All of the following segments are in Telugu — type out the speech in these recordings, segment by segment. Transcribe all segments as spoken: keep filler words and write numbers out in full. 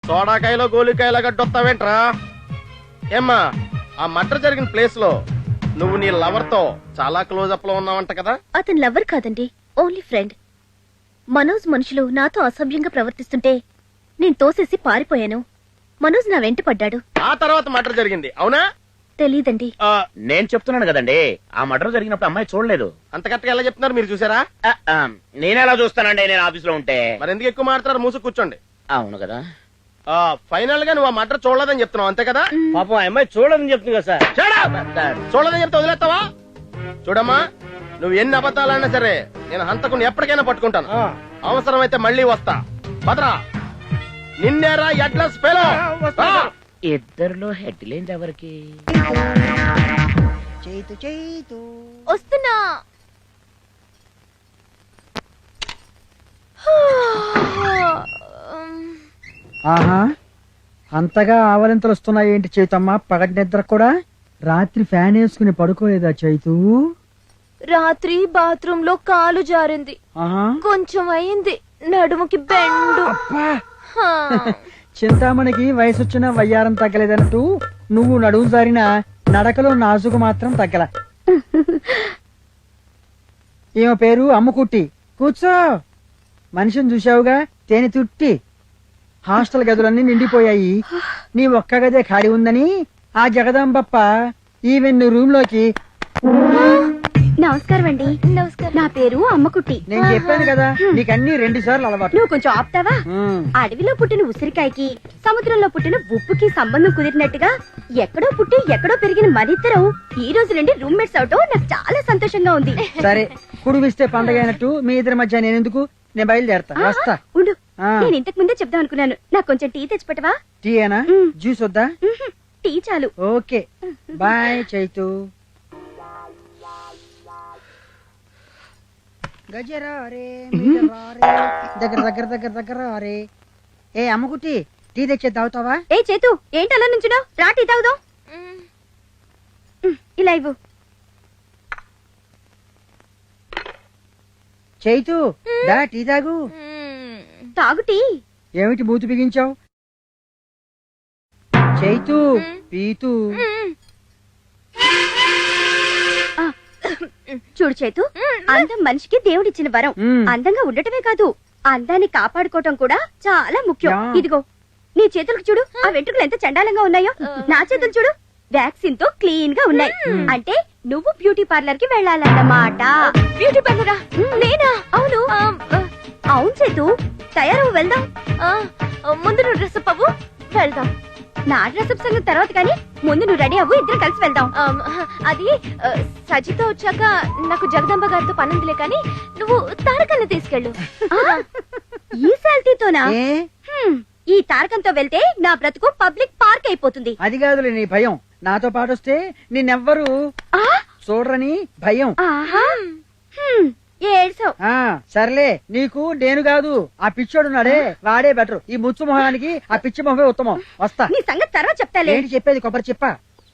సోడాకాయలో గోలికాయలో గడ్డొస్తావేంట్రా? ఏమ్మా, ఆ మర్డర్ జరిగిన ప్లేస్ లో నువ్వు నీ లవర్ తో చాలా క్లోజ్ అప్ లో ఉన్నావంట కదా? అతను లవర్ కాదండి, ఓన్లీ ఫ్రెండ్. మనోజ్ మనుషులు నాతో అసభ్యంగా ప్రవర్తిస్తుంటే నేను తోసేసి పారిపోయాను. మనోజ్ నా వెంట పడ్డాడు. ఆ తర్వాత మర్డర్ జరిగింది, అవునా? తెలీదండి. నేను చెప్తున్నాను కదండి, ఆ మర్డర్ జరిగినప్పుడు అమ్మాయి చూడలేదు. అంత కరెక్ట్గా ఎలా చెప్తున్నారు, మీరు చూసారా? నేనెలా చూస్తానండి, నేను ఆఫీస్ లో ఉంటే. మరి ఎందుకు ఎక్కువ మాట్లాడారు? మూసు కూర్చోండి. అవును కదా. ఫైనల్ గా నువ్వు ఆ మర్డర్ చూడలేదని చెప్తున్నావు, అంతే కదా? పాపం ఆ అమ్మాయి చూడదని చెప్తుంది కదా సార్. చూడదని చెప్తే వదిలేస్తావా? చూడమ్మా, నువ్వు ఎన్ని అబద్ధాలన్నా సరే నేను హంతకుని ఎప్పటికైనా పట్టుకుంటాను. అవసరమైతే మళ్ళీ వస్తా. భద్రా, నిన్నేరా అడ్రస్ పేలో. ఇద్దరులో హెడ్ లేండి ఎవరికి? చేతు చేతు వస్తున్నా. ఆహా, అంతగా ఆవలింతలు వస్తున్నాయి ఏంటి చైతమ్మ? పగటి నిద్ర కూడా రాత్రి ఫ్యాన్ వేసుకుని పడుకోలేదా చైతు? రాత్రి బాత్రూమ్ లో కాలు జారింది, ఆహా, కొంచెం అయింది నడుముకి బెండు. అబ్బా, చింతామణికి వయసు వచ్చిన వయ్యారం తగ్గలేదన్నట్టు నువ్వు నడుము జారిన నడకలో నాజుకు మాత్రం తగ్గల. ఈమె పేరు అమ్ముకుట్టి. కూర్చో. మనిషిని చూసావుగా, తేనె తుట్టి. హాస్టల్ గదులన్నీ నిండిపోయాయి, నీ ఒక్క గదే ఖాళీ ఉందని ఆ జగదాంబప్ప ఈవెన్ రూమ్ లోకి. నమస్కారం అండి. నమస్కారం. నా పేరు అమ్మకుట్టి. నేను చెప్పాను కదా, నీకన్నీ రెండు సార్లు అలవాటు. నువ్వు కొంచెం ఆపుతావా? ఉమ్. అడవిలో పుట్టిన ఉసిరికాయకి సముద్రంలో పుట్టిన ఉప్పుకి సంబంధం కుదిరినట్టుగా ఎక్కడో పుట్టి ఎక్కడో పెరిగిన మనిద్దరం ఈ రోజు నుండి రూమ్మేట్స్ అవటం నాకు చాలా సంతోషంగా ఉంది. సరే, కుడివిస్తే పండగ అయినట్టు మీ ఇద్దరి మధ్య నేను ఎందుకు? నేను బయలుదేరతా, వస్తా. ఉండు, ఆ. నేను ఇంతకు ముందే చెప్దాం అనుకున్నాను. నాకు కొంచెం టీ తెచ్చిపెట్టవా? టీ ఏనా? ఉమ్. జ్యూస్ వద్దా? ఉహు, టీ చాలు. Okay, bye Chaitu. గజరారే మీటరారే, దగ్గర దగ్గర దగ్గర దగ్గర అరే. ఏ అమ్మకుట్టి, టీ తెచ్చే తాగుతావా? ఏ చేతు, ఏంటి అలా నుంచున్నావు? రా టీ తాగుదాం. ఉమ్, ఇలా ఇవ్వు. చైతు, దా టీ తాగు. తాగు టీ. ఏమిటి బూతు బిగించావు? చైతు, పీతు. ఆ, చూడు చేతు, అందం మనిషికి దేవుడిచ్చిన వరం. మ్మ్. అందంగా ఉండటమే కాదు, అందాన్ని కాపాడుకోవటం కూడా చాలా ముఖ్యం. యా. ఇదిగో నీ చేతులకు చూడు, ఆ వెంట్రుకలు ఎంత చండాలంగా ఉన్నాయో. నా చేతులు చూడు, వ్యాక్సిన్ తో క్లీన్ గా ఉన్నాయి. అంటే నువ్వు బ్యూటీ పార్లర్ కి వెళ్ళాలన్నమాట. బ్యూటీ పార్లరా? నేనా? అవును. అవును చేతు, తయారవు, వెళ్దాం. ముందు నువ్వు డ్రెస్అప్ అవ్వు, వెళ్దాం. నా డ్రెస్అప్ సంగతి తర్వాత కానీ ముందు నువ్వు రెడీ అవ్వు, ఇద్దరం కలిసి వెళ్దాం. అది సజిత వచ్చాక నాకు జగదంబ గారితో పనుందిలే కానీ నువ్వు తారకల్ని తీసుకెళ్ళు. ఈ శాల్తీతోనా? ఏ? హ్మ్, ఈ తారకంతో వెళ్తే నా బ్రతుకు పబ్లిక్ పార్క్ అయిపోతుంది. అది కాదులే నీ భయం. నాతో పాటు వస్తే నిన్నెవ్వరు ఆ? చూడరని భయం. ఆహా, హ్మ్, ఏడ్సావ్. ఆ సర్లే, నీకు నేను కాదు ఆ పిచ్చోడున్నాడే వాడే బెటర్. ఈ ముచ్చు మొహానికి ఆ పిచ్చి మొహమే ఉత్తమం. వస్తా. నీ సంగతి తర్వాత చెప్తాలే. ఏంటి చెప్పేది? కొబ్బరి చెప్ప.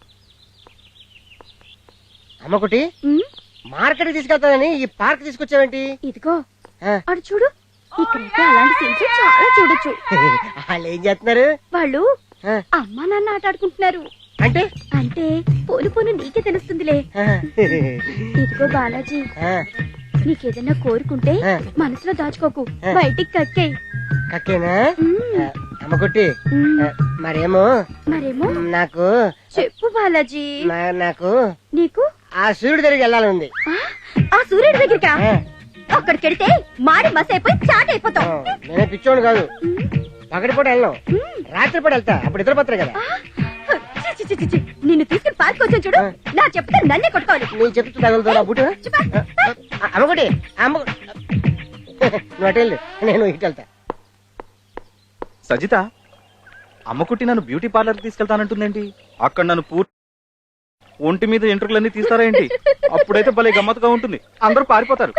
అమ్మకుటి, ఉమ్, మార్కెట్ తీసుకెళ్తానని ఈ పార్క్ తీసుకొచ్చావేంటి? ఇదిగో ఆ. అటు చూడు, ఇక్కడైతే అలాంటి సీన్స్ చాలా చూడొచ్చు. వాళ్ళు ఏం చేస్తున్నారు? వాళ్ళు ఆ. అమ్మా నాన్న ఆట ఆడుకుంటున్నారు. అంటే అంటే పోను పోను నీకే తెలుస్తుందిలే. ఆ. ఇదిగో బాలాజీ, ఆ, నీకేదన్నా కోరుకుంటే ఆ. మనసులో దాచుకోకు, ఆ. బయటికి కక్కేయ్. కక్కేనా? ఉమ్, ఆ, అమ్మకుట్టి, ఉమ్, ఆ, మరేమో మరేమో నాకు చెప్పు బాలాజీ. నా- నాకు నీకు ఆ సూర్యుడి దగ్గరికి వెళ్ళాలని ఆ, ఆ సూర్యుడి దగ్గరికా? ఆ. అక్కడికెడితే మాడి మస్ అయిపోయి చాట్ అయిపోతావు. నేనే పిచ్చోడు కాదు, పగటిపూట వెళ్ళను, రాత్రిపూట వెళ్తా, అప్పుడు ఇద్దరు పత్ర కదా. చి, చి, చి, చి, చి. నిన్ను తీసుకుని పార్క్ వచ్చాను చూడు, నా చెప్తే నన్నే కొట్టుకోవాలి. నీ చెప్తూ తగులుతా బుట్. అమ్మకుటి, అమ్మ నువ్వు అటు వెళ్ళు, నేను ఇటు వెళ్తా. సజిత, అమ్మకుట్టి నన్ను బ్యూటీ పార్లర్కి తీసుకెళ్తానంటుందేంటి? అక్కడ నన్ను పూర్తి ఒంటి మీద ఎంట్రుకలన్నీ తీస్తారా ఏంటి? అప్పుడైతే భలే గమ్మత్తుగా ఉంటుంది, అందరూ పారిపోతారు.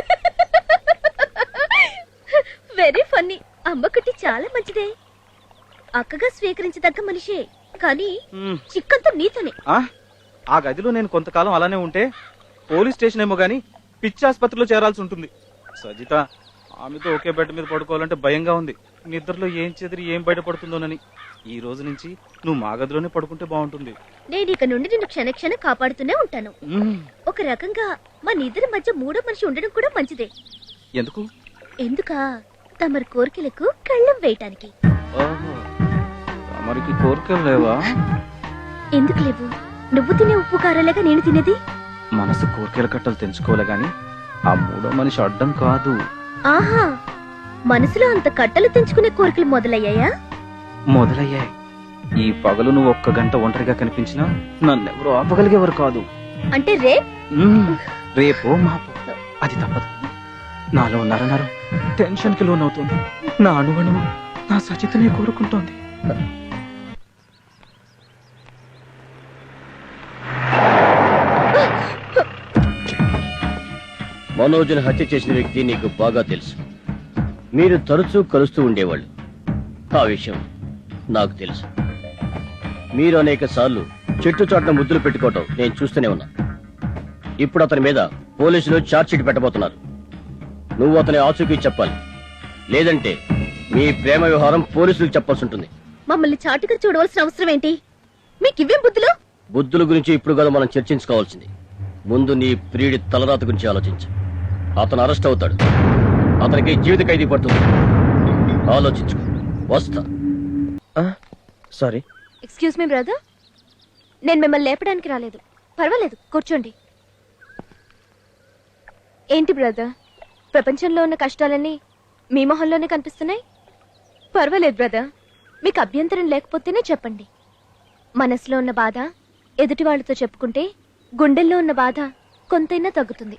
Very funny. అమ్మకుట్టి చాలా మంచిదే, అక్కగా స్వీకరించదగ్గ మనిషే, కానీ మ్మ్. చిక్కంతా నీతోనే. ఆ? ఆ గదిలో నేను కొంతకాలం అలానే ఉంటే పోలీస్ స్టేషన్ ఏమో గాని పిచ్చి ఆసుపత్రిలో చేరాల్సి ఉంటుంది. సజిత, ఆమెతో ఒకే బెడ్ మీద పడుకోవాలంటే భయంగా ఉంది. నిద్రలో ఏం చెదిరి ఏం బయటపడుతుందోనని. ఈ రోజు నుంచి నువ్వు మా గదిలోనే పడుకుంటే బాగుంటుంది. నేను ఇక నుండి నిన్ను క్షణ క్షణ కాపాడుతూనే ఉంటాను. ఒక రకంగా మన ఇద్దరి మధ్య మూడో మనిషి ఉండడం కూడా మంచిదే. ఎందుకు? ఎందుకా తమరి కోరికలకు కళ్ళం వేయటానికి. తమరికి కోరికలు లేవా? ఎందుకు లేవు? నువ్వు తినే ఉప్పు కారాలేగా నేను తినేది. మనసు కోరికల కట్టలు తెంచుకోలే గాని ఆ మూడో మనిషి అడ్డం కాదు. ఆహా, మనసులో అంత కట్టలు తెంచుకునే కోరికలు మొదలయ్యాయా? మొదలయ్యాయి. ఈ పగలు నువ్వు ఒక్క గంట ఒంటరిగా కనిపించినా నన్నెవరూ ఆపగలిగేవారు కాదు. అంటే రే మ్మ్. రేపో మాపో అది తప్పదు. నాలో నరనరం టెన్షన్ కి లోనవుతుంది. నా అణువణువు నా సచితనే కోరుకుంటోంది. మనోజ్ని హత్య చేసిన వ్యక్తి నీకు బాగా తెలుసు. మీరు తరచూ కలుస్తూ ఉండేవాళ్ళు. ఆ విషయం నాకు తెలుసు. మీరు అనేక సార్లు చెట్టు చాటున ముద్దులు పెట్టుకోవటం నేను చూస్తూనే ఉన్నా. ఇప్పుడు అతని మీద పోలీసులు ఛార్జ్ షీట్ పెట్టబోతున్నారు. నువ్వు అతని ఆచూకీ చెప్పాలి. లేదంటే మీ ప్రేమ వ్యవహారం పోలీసులకు చెప్పాల్సి ఉంటుంది. మమ్మల్ని చాటుగా చూడవలసిన అవసరం ఏంటి? మీకు ఇవ్వేం బుద్ధులు? బుద్ధుల గురించి ఇప్పుడు కదా మనం చర్చించుకోవాల్సింది. ముందు నీ ప్రియుడి తలరాత గురించి ఆలోచించు. అతను అరెస్ట్ అవుతాడు. అతనికి జీవిత ఖైదీ పడుతుంది. ఆలోచించుకో. వస్తా. సారీ. ఎక్స్క్యూజ్ మీ బ్రదర్, నేను మిమ్మల్ని లేపడానికి రాలేదు. పర్వాలేదు, కూర్చోండి. ఏంటి బ్రదర్, ప్రపంచంలో ఉన్న కష్టాలన్నీ మీ మొహంలోనే కనిపిస్తున్నాయి? పర్వాలేదు బ్రదర్, మీకు అభ్యంతరం లేకపోతేనే చెప్పండి. మనసులో ఉన్న బాధ ఎదుటి వాళ్ళతో చెప్పుకుంటే గుండెల్లో ఉన్న బాధ కొంతైనా తగ్గుతుంది.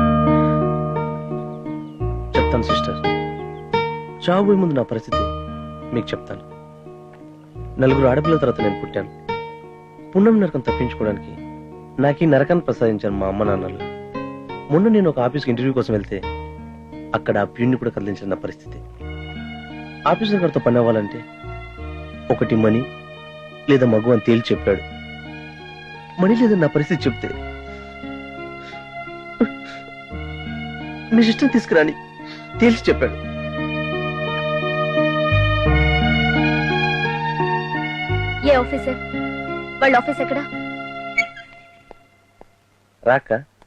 చెప్తాను సిస్టర్. చావు ముందు నా పరిస్థితి మీకు చెప్తాను. నలుగురు ఆడపిల్లల తర్వాత నేను పుట్టాను. పుణ్యం నరకం తప్పించుకోవడానికి నాకు ఈ నరకాన్ని ప్రసాదించాను మా అమ్మ నాన్నలు. మొన్న నేను ఒక ఆఫీస్కి ఇంటర్వ్యూ కోసం వెళ్తే అక్కడ ఆ ప్యూన్ని కూడా కదిలించిన నా పరిస్థితి. ఆఫీసర్ గారితో పని అవ్వాలంటే ఒకటి మనీ లేదా మగు అని తేల్చి చెప్పాడు. మనీ లేదా నా పరిస్థితి చెప్తే మీ ఇష్టం తీసుకురాని తేల్చి చెప్పాడు. ఏ ఆఫీసర్? వాళ్ళ ఆఫీస్ ఎక్కడ? రాక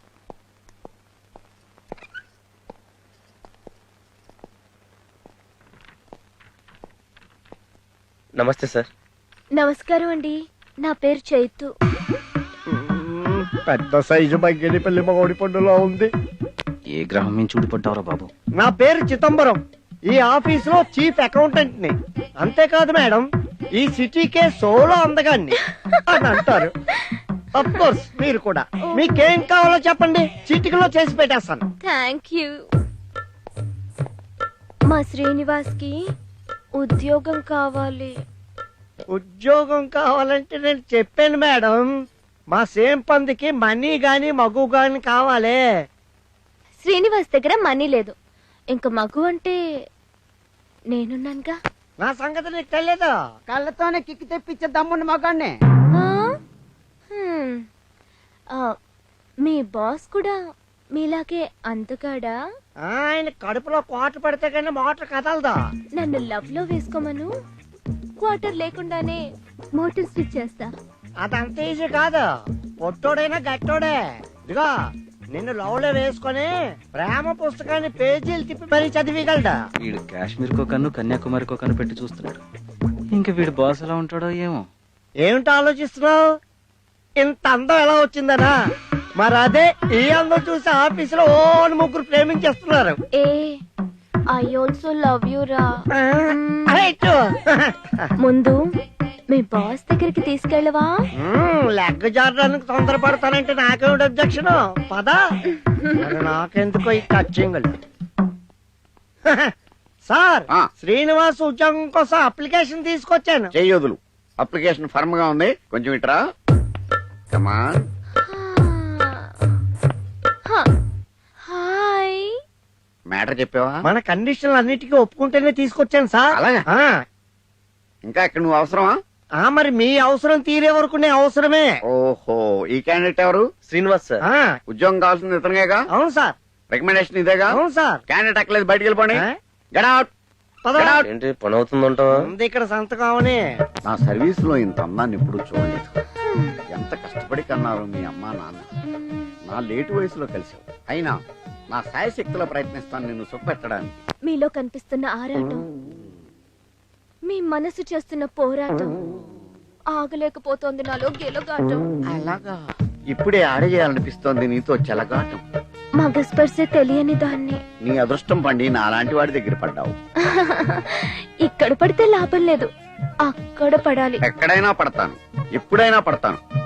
నమస్తే సార్. నమస్కారం అండి, నా పేరు చైతు. పెద్ద సైజు బగ్గెలి పల్లి మగోడి పండులో ఉంది. ఏ గ్రహం మీద చూడిపడ్డావురా బాబు? నా పేరు చిదంబరం. ఈ ఆఫీస్ లో చీఫ్ అకౌంటెంట్ ని. అంతేకాదు మేడం, ఈ సిటీకే సోలో అందగాన్ని అని అంటారు. అఫ్ కోర్స్ మీరు కూడా. మీకేం కావాలో చెప్పండి, చిటికలో చేసి పెట్టేస్తాను. Thank you. మా శ్రీనివాస్ కి ఉద్యోగం కావాలి. ఉద్యోగం కావాలంటే నేను చెప్పాను మేడం, మా సేమ్ పందికి మనీ గాని మగు గాని కావాలి. శ్రీనివాస్ దగ్గర మనీ లేదు, ఇంకా మగు అంటే నేనున్నానుగా. నా సంగతి నీకు తెలియదు. కళ్ళతోనే కిక్కి తెప్పించే దమ్మున్న మగాన్ని. ఆ? హ్మ్. ఆ, మీ బాస్ కూడా మీలాగే అందగాడా? ఆయన కడుపులో కోట పడితే కానీ మోటార్ కదలదా. నన్ను లవ్ లో వేసుకోమను, క్వార్టర్ లేకుండానే మోటార్ స్విచ్ చేస్తా. అదంత ఈజీ కాదు. పొట్టోడైనా గట్టోడే. ఇదిగో నిన్ను లవ్ లో వేసుకొని ప్రేమ పుస్తకాన్ని పేజీలు తిప్పి మరీ చదివిగలడా. వీడు కాశ్మీర్ కో కన్ను కన్యాకుమారి కో కన్ను పెట్టి చూస్తున్నాడు. ఇంకా వీడు బాస్ ఎలా ఉంటాడో ఏమో. ఏమిటో ఆలోచిస్తున్నావు? ఇంత అందం ఎలా వచ్చిందనా? మరి అదే ఈ అందం చూసి ఆఫీసులో ఓ ముగ్గురు ప్రేమించేస్తున్నారు. ఏ ఐ ఆల్సో లవ్ యూ రా. రైట్. ముందు మీ బాస్ దగ్గరికి తీసుకెళ్ళవా? Leg జారడానికి తొందరపడతానంటే నాకేమిటి objection? పదా. మరి నాకెందుకో ఈ టచింగ్. సార్, ఆ. శ్రీనివాస్ ఉద్యోగం కోసం అప్లికేషన్ తీసుకొచ్చాను. చెయ్యొదులు. అప్లికేషన్ ఫర్మ్ గా ఉంది, కొంచెం ఇట్రా. కమాన్. హాయ్. మ్యాటర్ చెప్పావా? మన కండిషన్లు అన్నిటికీ ఒప్పుకుంటేనే తీసుకొచ్చాను సార్. అలాగా? ఆ. ఇంకా ఇక్కడ నువ్వు అవసరమా? ఆ, మరి మీ అవసరం తీరే వరకు నేను అవసరమే. ఓహో, ఈ క్యాండిడేట్ ఎవరు? శ్రీనివాస్ సార్. ఆ, ఉద్యోగం కావాల్సింది ఇతనిగా? అవును సార్. రికమెండేషన్ ఇదేగా అవును సార్. క్యాండిడేట్ అక్కలేదు బయటికి వెళ్ళిపోండి. ఆ? Get out. పద. Get out. ఏంటి పని అవుతుందంటావా? ఉంది ఇక్కడ సంతకం అవని. నా సర్వీస్ లో ఇంత అందాన్ని ఎప్పుడు చూడలేదు. ఎంత కష్టపడి కన్నారు మీ అమ్మా నాన్న. నా లేటు వయసులో కలిసావు. అయినా నా సాయశక్తిలో ప్రయత్నిస్తాను నిన్ను సుఖపెట్టడానికి. మీలో కనిపిస్తున్న ఆరాటం, మీ మనసు చేస్తున్న పోరాటం ఆగలేకపోతోంది నాలో గెలుగాటం. అలాగా ఇప్పుడే ఆడేయాలనిపిస్తోంది నీతో చెలగాటం. మగ స్పర్శ తెలియని దాన్ని నీ అదృష్టం పండి నా అలాంటి వాడి దగ్గర పడ్డావు. ఇక్కడ పడితే లాభం లేదు, అక్కడ పడాలి. ఎక్కడైనా పడతాను, ఎప్పుడైనా పడతాను.